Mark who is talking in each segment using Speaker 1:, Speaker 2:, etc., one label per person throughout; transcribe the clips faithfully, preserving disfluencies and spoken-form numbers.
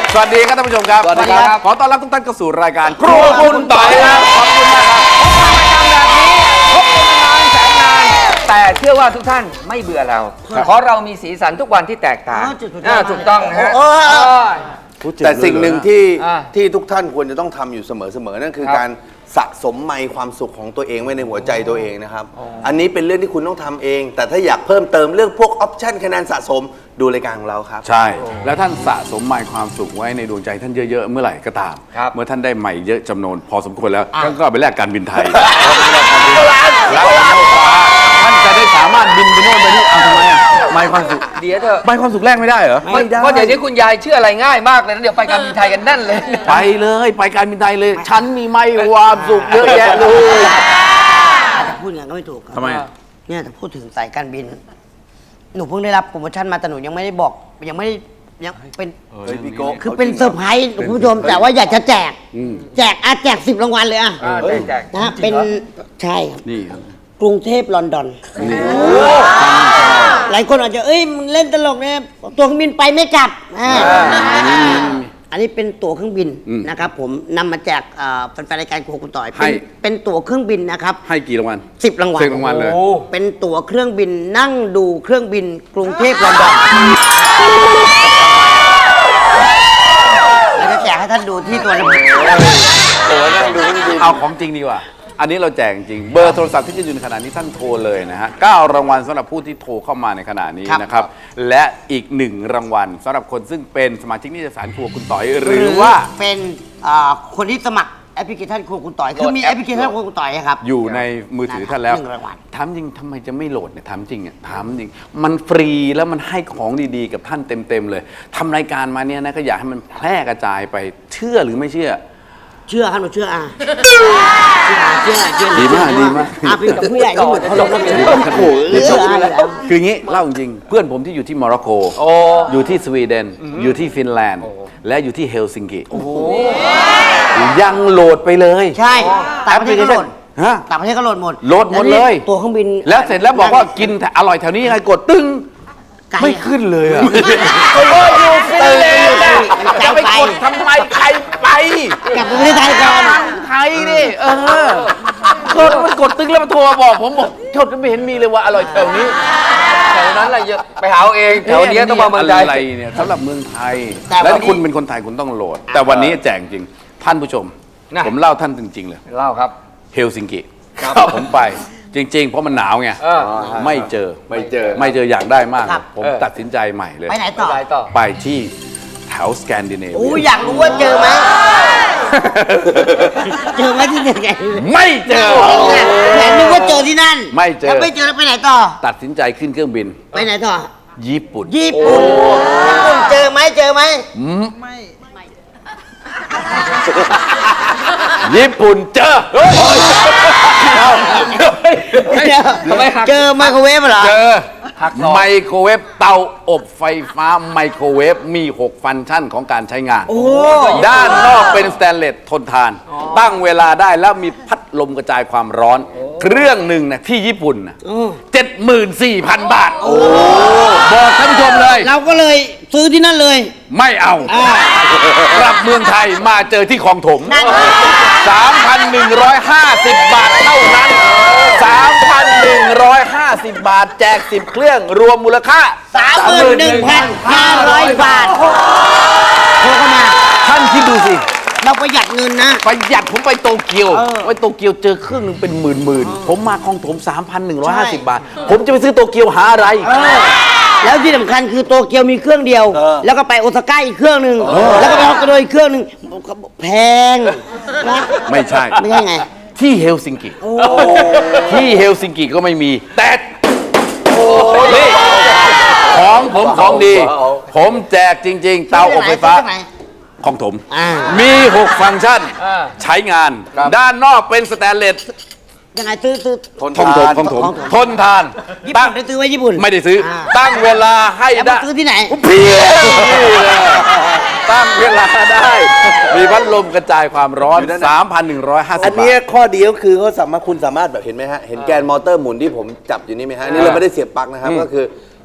Speaker 1: สวัสดีครับท่านผู้ชมครับ
Speaker 2: สวัสดีครับ
Speaker 1: ขอต้อนรับทุกท่านเข้าสู่รายการครัวคุณต่อยครับขอบคุณมากครับพบกันแบบนี้พบกันนานแสนนานแต่เชื่อว่าทุกท่านไม่เบื่อเราเพราะเรามีสีสันทุกวันที่แตกต่างถูกต้องนะฮะ
Speaker 3: แต่สิ่งหนึ่งที่
Speaker 1: อ่า
Speaker 3: ที่ทุกท่านควรจะต้องทำอยู่เสมอๆนั่นคือ
Speaker 1: ครับ
Speaker 3: การสะสมไมค์ความสุขของตัวเองไว้ในหัวใจตัวเองนะครับ อันนี้เป็นเรื่องที่คุณต้องทำเอง แต่ถ้าอยากเพิ่มเติมเรื่องพวกออปชั่นคะแนนสะสมดูรายการของเราครับ
Speaker 1: ใช่ แล้วท่านสะสมไมค์ความสุขไว้ในดวงใจท่านเยอะๆเมื่อไหร่ก็ตาม
Speaker 2: ครับ
Speaker 1: เมื่อท่านได้ไมค์เยอะจำนวนพอสมควรแล้วท่านก็เอาไปแลกการบินไทยแล้วท่านจะได้สามารถบินไปโน่นไปนี่เอาทำไมอ่ะไมค์ความสุข
Speaker 2: เดี๋ยวเถอะ
Speaker 1: ไมค์ความสุขแลกไม่ได้เหรอ
Speaker 2: ไม่ได้เพราะเดี๋ยวนี้คุณยายเชื่ออะไรง่ายมากเลยนะเดี๋ยวไปการบินไทยกันแน่นเลย
Speaker 1: ไปเลยไปการบินไทยเลย ฉันมีไมค์ความสุขเยอะแยะเลย
Speaker 4: แต่พูดอย่างนั้นก็ไม่ถูกครับ
Speaker 1: ทำไมอ่ะ
Speaker 4: เนี่ยแต่พูดถึงสายการบิน หนูเพิ่งได้รับโปรโมชั่นมาแต่หนูยังไม่ได้บอกยังไม่ได้ยังเป็น
Speaker 3: เฮ้ยพี่โก้
Speaker 4: คือเป็นเซอร์ไพรส์คุณผู้ชมแต่ว่าอยากจะแจก แจกอ่ะแจกสิบรางวัลเลยอ่ะ
Speaker 2: อ่าแจก
Speaker 4: นะเป็นใช่ครับ
Speaker 1: นี่ครับ
Speaker 4: กรุงเทพลอนดอน
Speaker 1: นี่
Speaker 4: หลายคนอาจจะเอ้ยมึงเล่นตลกเนี่ยตัวเครื่องบินไปไม่กลับอ่าอันนี้เป็นตั๋วเครื่องบินนะครับผมนำมาแจกเอ่อแฟนๆรายการโครัวคุณต่อยเป็นเป็นตั๋วเครื่องบินนะครับ
Speaker 1: ให้กี่รางวัล
Speaker 4: สิบรางวัล
Speaker 1: สิบรางวัลเลย
Speaker 4: เป็นตั๋วเครื่องบินนั่งดูเครื่องบินกรุงเทพลอนดอนเราจะแจกให้ท่านดูที่ตัวระบบ
Speaker 1: เอาของจริงดีกว่าอันนี้เราแจกจริงเบอร์โทรศัพท์ที่จะอยู่ในขณะนี้ท่านโทรเลยนะฮะเก้ารางวัลสำหรับผู้ที่โทรเข้ามาในขณะนี้นะครับและอีกหนึ่งรางวัลสำหรับคนซึ่งเป็นสมาชิกนิตยสารครัวคุณต่อยหรือว่า
Speaker 4: เป็นอ่าคนที่สมัครแอปพลิเคชันครัวคุณต่อยคือมีแอปพลิเคชันครัวคุณต่อยอะครับ
Speaker 1: อยู่ในมือถือท่านแล้ว
Speaker 4: หนึ่งรางวัล
Speaker 1: ถามจริงทำไมจะไม่โหลดเนี่ยถามจริงอ่ะถามจริงมันฟรีแล้วมันให้ของดีๆกับท่านเต็มๆเลยทำรายการมาเนี่ยนะก็อยากให้มันแพร่กระจายไปเชื่อหรือไม่เชื่อ
Speaker 4: เชื่อครับหนูเชื่ออ่ะเชื่อเชื่อ
Speaker 1: ดีมากดีมาก
Speaker 4: อ่ะเป็นกับผู้ใหญ่ที่เหมือนเขาลงกันเป็น
Speaker 1: โอ้โห
Speaker 4: เชื่ออ่ะอยู่แล้ว
Speaker 1: คืออย่างนี้เล่าจริงเพื่อนผมที่อยู่ที่โมร็อกโกอยู่ที่สวีเดนอยู่ที่ฟินแลนด์และอยู่ที่เฮลซิงกิยังโหลดไปเลย
Speaker 4: ใช่ต่างประเทศก็โหลด
Speaker 1: ฮะ
Speaker 4: ต่างประเทศก็โหลดหมด
Speaker 1: โหลดหมดเลย
Speaker 4: ตัวเครื่องบิน
Speaker 1: แล้วเสร็จแล้วบอกว่ากินอร่อยแถวนี้ยังไงกดตึ้ง
Speaker 4: ไกล
Speaker 1: ไม่ขึ้นเลยอะ
Speaker 4: โอ้ยอยู่ฟินแลนด์
Speaker 1: จะไปกดทำไมใครไป
Speaker 4: กลับไปประเทศไทยก่อน
Speaker 1: ไทยนี่เออกดมันกดตึ้งแล้วมันโทรมาบอกผมบอกชดไม่เห็นมีเลยว่าอร่อยแถวนี้
Speaker 2: แถวนั้นอะไรเยอะไปหาเอาเองแถวนี้ต้องมาเมืองไทย
Speaker 1: อะไรเนี่ยสำหรับเมืองไทยแล้วคุณเป็นคนไทยคุณต้องโหลด แต่วันนี้แจกจริงท่านผู้ชม ผมเล่าท่านจริงๆเลย
Speaker 2: เล่าครับ
Speaker 1: เฮลซิงกิผมไปจริง ๆ เพราะมันหนาวไง
Speaker 2: เออ
Speaker 1: ไม่เจอ
Speaker 3: ไม่เจอ
Speaker 1: ไม่เจออยากได้มาก
Speaker 4: ครับ
Speaker 1: ผม
Speaker 2: เออ
Speaker 1: ตัดสินใจใหม่เลย
Speaker 4: ไปไหนต่อ
Speaker 2: ไปต่อ
Speaker 1: ไปที่แถวสแกนดิเนเวี
Speaker 4: โอ้
Speaker 1: ย
Speaker 4: ยอยากรู้ว่าเจอไหมเจอไหมที่ไหน
Speaker 1: ไม่เจอ
Speaker 4: แต่นึกว่าเจอที่นั่น
Speaker 1: ไม่เจอ
Speaker 4: แล้วไม่เจอแล้วไปไหนต่อ
Speaker 1: ตัดสินใจขึ้นเครื่องบิน
Speaker 4: ไปไหนต่อ
Speaker 1: ญี่ปุ่น
Speaker 4: ญี่ปุ่นญี่ปุ่นเจอไหมเจอไหม
Speaker 1: ญี่ปุ่นเจอ
Speaker 2: ทำไมหัก
Speaker 4: เจอไมโครเวฟเหรอ
Speaker 1: เจอ
Speaker 2: หักศอก
Speaker 1: ไมโครเวฟเตาอบไฟฟ้าไมโครเวฟมี หก ฟังก์ชันของการใช้งาน
Speaker 4: โอ้
Speaker 1: ด้านนอกเป็นสแตนเลสทนทาน ตั้งเวลาได้แล้วมีพัดลมกระจายความร้อน เครื่องหนึ่งนะที่ญี่ปุ่นนะเจ็ดหมื่นสี่พันบาทบอกท่านผู้ชมเลย
Speaker 4: เราก็เลยซื้อที่นั่นเลย
Speaker 1: ไม่เอากลับเมืองไทยมาเจอที่คลองถม สามพันหนึ่งร้อยห้าสิบ บาทเท่านั้น สามพันหนึ่งร้อยห้าสิบ บาทแจกสิบเครื่องรวมมูลค่า
Speaker 4: สามหมื่นหนึ่งพันห้าร้อยบาทโทรเข้ามา
Speaker 1: ท่านคิดดูสิ
Speaker 4: เราประหยัดเงินนะ
Speaker 1: ประหยัดผมไปโตเกียว
Speaker 4: เออ
Speaker 1: ไปโตเกียวเจอเครื่องหนึงเป็นหมื่นหมื่นๆผมมาคลองถม สามพันหนึ่งร้อยห้าสิบ บาท ผมจะไปซื้อโตเกียวหาอะไร
Speaker 4: แล้วที่สำคัญคือโตเกียวมีเครื่องเดียว แล้วก็ไปโอซาก้าอีกเครื่องหนึ่งแล้วก็ไปฮอกไกโดอีกเครื่องหนึ่งแพงนะ
Speaker 1: ไม่ใช่
Speaker 4: ไม่ใช่ไง
Speaker 1: ที่เฮลซิงกิที่เฮลซิงกิก็ไม่มี แต่นี่ของผมของดี ผมแจกจริง ๆ เตาอบไฟฟ้า
Speaker 4: ซื้อที่ไหน
Speaker 1: ของถม
Speaker 4: อ่า
Speaker 1: มี หก ฟังก์ชัน
Speaker 2: อ่า
Speaker 1: ใช้งาน ด้านนอกเป็นสแตนเลส
Speaker 4: ยังไงซื้อซื้อ
Speaker 3: ทน
Speaker 1: ทนถม
Speaker 3: ทาน
Speaker 1: ทนถม
Speaker 4: ของถม
Speaker 1: ทนทาน
Speaker 4: ญี่
Speaker 1: ตั้
Speaker 4: ปุ่
Speaker 1: ง
Speaker 4: นได้ซื้อไว้ญี่ปุ่น
Speaker 1: ไม่ได้ซื้อ
Speaker 4: อ่า
Speaker 1: ตั้งเวลาให้
Speaker 4: แล้ว
Speaker 1: ได้
Speaker 4: มาซื้อที่ไหน
Speaker 1: เพียตั้งเวลาได้ มีพัดลมกระจายความร้อน สามพันหนึ่งร้อยห้าสิบ
Speaker 3: อัน
Speaker 1: บา
Speaker 3: นี้
Speaker 1: ท
Speaker 3: ข้อดีก็คือเขาสามารถคุณสามารถแบบเห็นไหมฮะ เห็นแกนมอเตอร์หมุนที่ผมจับอยู่นี่ไหมฮะ นี่เราไม่ได้เสียบปลั๊กนะครับ ก็คือ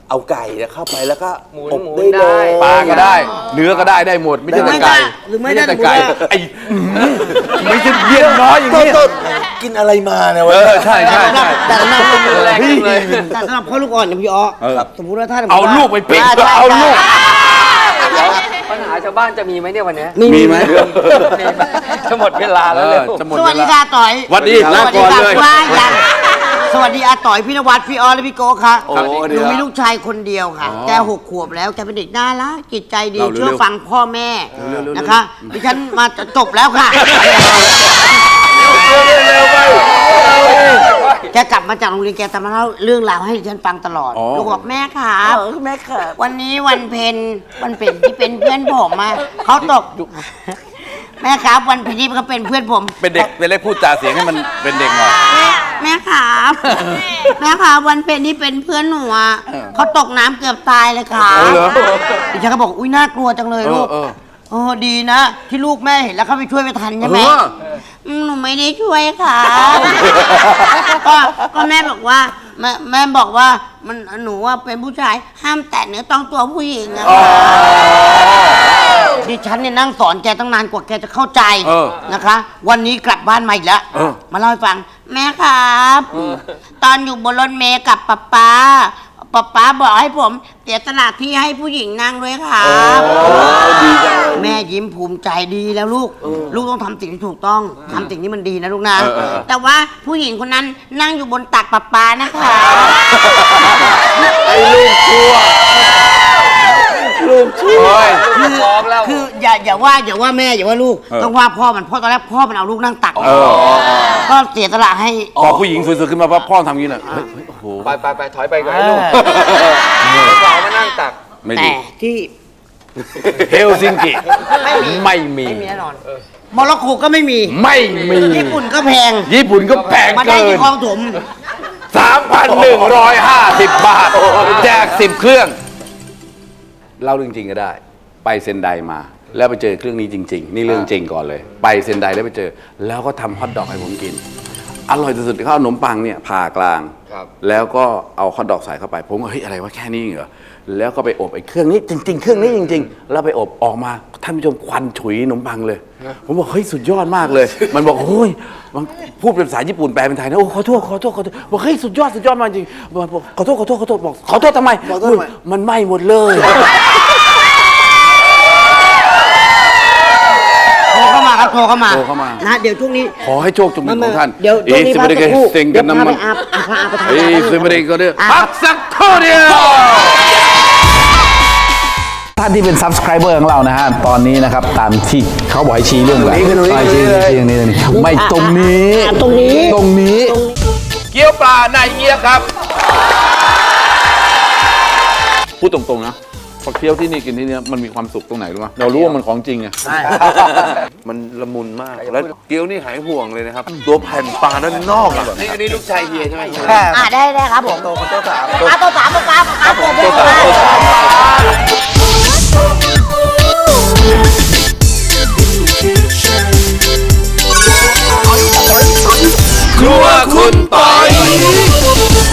Speaker 3: เอาไก่เนี่ยเข้าไปแล้วก็
Speaker 2: หมุน
Speaker 3: อบ
Speaker 2: หมุน
Speaker 3: ได้เล
Speaker 2: ได้
Speaker 3: ย
Speaker 5: ปลาก็ได้ เนื้อก็ได้ได้หมดไม่ใช่แต่ไก่
Speaker 4: หรือไม่ได้
Speaker 5: ใช่แต่
Speaker 4: หรือไม่
Speaker 5: ไก่
Speaker 4: ได้
Speaker 5: ไอ้ไม่ใช่เยี่ยนน้อยอย่าง
Speaker 3: ต้น
Speaker 5: นี้
Speaker 3: ต้นกินอะไรมาเนี่ย
Speaker 5: เอ
Speaker 3: วะ
Speaker 5: อใช่ใช่ใช่
Speaker 4: แต่สำหรับ
Speaker 2: แรงจังเลย
Speaker 4: แต่สำหรับพ่อลูกอ่อนอย่างพี่อ๋อ
Speaker 5: เออ
Speaker 4: สมมติว่าถ้า
Speaker 5: เอาลูกไปปิ้ง
Speaker 4: ใช่
Speaker 5: เอาลูก
Speaker 2: ปัญหาชาวบ้านจะมีไหมเนี่ยวันเนี้ย
Speaker 5: มีไหม
Speaker 2: มีไหมจะหมดเวลา
Speaker 5: เอ
Speaker 2: แล้วเล
Speaker 5: อย จะหมด
Speaker 4: ส
Speaker 5: เว
Speaker 4: วัสดี
Speaker 5: ลา
Speaker 4: ค่ะต่อย
Speaker 5: สวัสดีลาก่อนเลย
Speaker 4: สวัสดีค่ะว่ายังสวัสดีอาต่อยพี่นวัดพี่ออและพี่โก้ค่ะ
Speaker 3: โอ้
Speaker 4: หนูมีลูกชายคนเดียวค่ะ แกหกขวบแล้วแกเป็นเด็กน่ารักจิตใจดี
Speaker 5: เราเร็วๆ
Speaker 4: เชื่อฟังพ่อแม่
Speaker 5: เร็วๆ
Speaker 4: นะคะดิฉันมาจะจบแล้วค่ะ
Speaker 5: เร็วไป
Speaker 4: แกกลับมาจากโรงเรียนแกจะมาเล่าเรื่องราวให้ดิฉันฟังตลอด
Speaker 5: อ๋อ
Speaker 4: ลูกบอกแม่ครับแม่ครับวันนี้วันเพ็ญวันเพ็ญที่เป็นเพื่อนผมมาเขาตก แม่ครับวันเพ็ญที่เขาเป็นเพื่อนผม
Speaker 5: เป็นเด็กเป็นเล็กพูดจาเสียงให้มันเป็นเด็กหน่อย
Speaker 4: แม่แม่ครับ แม่ครับวันเพ็ญที่เป็นเพื่อนหนูอ่ะเขาตกน้ำเกือบตายเลยครับ
Speaker 5: โอ้เหรอ
Speaker 4: ดิฉันก็บอกอุ้ยน่ากลัวจังเลยลูก
Speaker 5: เออเออ
Speaker 4: โอ้ดีนะ ที่ลูกแม่เห็นแล้วเขาไปช่วยไปทันใช่ไหม
Speaker 5: เออ
Speaker 4: อืมหนูไม่ได้ช่วยค่ะก็ก็แม่บอกว่าแม่แม่บอกว่ามันหนูว่าเป็นผู้ชายห้ามแตะเนื้อต้องตัวผู้หญิงอะค่ะดิฉันเนี่ยนั่งสอนแกตั้งนานกว่าแกจะเข้าใจ
Speaker 5: เออ
Speaker 4: นะคะ วันนี้กลับบ้านมาอีกแล้ว
Speaker 5: เออ
Speaker 4: มาเล่าให้ฟัง แม่ครับ ตอนอยู่บนรถเมล์กับป๊าป๊าป๊าป๊าบอกให้ผมเสียสละที่ให้ผู้หญิงนั่งด้วยครับแม่ยิ้มภูมิใจดีแล้วลูก ลูกต้องทำสิ่งที่ถูกต้องทำสิ่งที่มันดีนะลูกนะ
Speaker 5: เออเออ
Speaker 4: แต่ว่าผู้หญิงคนนั้นนั่งอยู่บนตักป๊าป๊านะคะ
Speaker 5: ไอ้ลูกชั่วลูกชั่ว
Speaker 4: คือ
Speaker 2: พร้อมแล้ว
Speaker 4: คืออย่าอย่าว่าอย่าว่าแม่อย่าว่าลูก
Speaker 5: เออ
Speaker 4: ต้องว่าพ่อมันเพ่อตอนแรกพ่อมันเอาลูกนั่งตัก
Speaker 5: เออ
Speaker 4: ก็เสียสละให้
Speaker 5: พอผู้หญิงสวยๆขึ้นมาปั๊บพ่อทำอย่างนี้น่ะเฮ้ยเฮ้ยโอ้โห
Speaker 2: ไปไปไปถอยไปก่อนให้ลูกสาวมานั่งตัก
Speaker 5: ไม่
Speaker 4: แต่
Speaker 5: ดี
Speaker 4: ที่
Speaker 5: เฮลซิงกิ
Speaker 4: ไม่มี
Speaker 5: ไม่มี
Speaker 4: ไม่มีแน่นอนโมร็อกโกก็ไม่มี
Speaker 5: ไม่มี
Speaker 4: ญี่ปุ่นก็แพง
Speaker 5: ญี่ปุ่นก็แพง
Speaker 4: มาได้
Speaker 5: เกิ
Speaker 4: ที่
Speaker 5: น
Speaker 4: คลองถม
Speaker 5: สามพันหนึ่งร้อยห้าสิบบาท แจกสิบเครื่อง เล่าเรื่องจริงก็ได้ ไปเซนไดมา แล้วไปเจอเครื่องนี้จริง ๆ นี่เรื่องจริงก่อนเลย ไปเซนไดแล้วไปเจอ แล้วก็ทำฮอทดอกให้ผมกิน อร่อยสุดๆเขาเอาขนมปังเนี่ยผ่ากลาง
Speaker 2: ครับ
Speaker 5: แล้วก็เอาฮอทดอกใส่เข้าไป ผมก็เฮ้ยอะไรวะแค่นี้เหรอ แล้วก็ไปอบไอ้เครื่องนี้จริง ๆ เครื่องนี้จริง ๆ แล้วไปอบออกมาท่านผู้ชมควันฉุยขนมปังเลย ผมบอกเฮ้ยสุดยอดมากเลย มันบอกโอ้ยมันพูดเป็นภาษาญี่ปุ่นแปลเป็นไทยนะโอ้ขอโทษขอโทษขอโทษบอกเฮ้ยสุดยอดสุดยอดมากจริงบอกขอโทษขอโทษขอโทษบอกขอโทษทำไม
Speaker 3: ขอโทษทำไม
Speaker 5: อุ๊ยมันไหม้หมดเลย
Speaker 4: โทรเข้ามาครับโทรเข้ามา
Speaker 5: โทรเข้ามา
Speaker 4: นะเดี๋ยวช่วงนี้
Speaker 5: ขอให้โชคจงเป็นของท่าน
Speaker 4: เดี๋ยวช่วงนี้
Speaker 5: สิ
Speaker 4: พัก
Speaker 5: บ
Speaker 4: สักครู่
Speaker 5: เซ็ง
Speaker 4: เดี๋
Speaker 5: กั
Speaker 4: ยวน พา
Speaker 5: น้ำ
Speaker 4: ไป
Speaker 5: มัน
Speaker 4: อาบอาบอาบไปทำ
Speaker 5: เอ้
Speaker 4: งาน
Speaker 5: ยสิบไม่ได้ก็ได้
Speaker 4: อ่ะ
Speaker 5: พักสักครู่เดียว ท่านที่เป็น subscriber ของเรานะฮะ ตอนนี้นะครับ ตามที่เขาบอกให้ชี้เรื่องแบบ
Speaker 3: ตรงนี้
Speaker 5: ไปชี้ชี้ตรงนี้ตรงนี้ไม่ตรงนี้
Speaker 4: อ่ะตรงนี้
Speaker 5: ตรงนี้ เกี๊ยวปลาในเกี๊ยวครับ พูดตรงๆนะพอเคี้ยวที่นี่กินที่นี่มันมีความสุขตรงไหนรู้ไหมเรารู้ว่ามันของจริงไง
Speaker 3: มันละมุนมาก แล้วเกี๊ยวนี่หายห่วงเลยนะครับ ตัวแผ่นปลาด้านนอกอะ
Speaker 2: นี่อันนี้ลูกชายเฮียใช่ไหม
Speaker 4: อ่าได้ได้ครับผมโตโตสามอ่ะโตสามครับครับผมโตสาม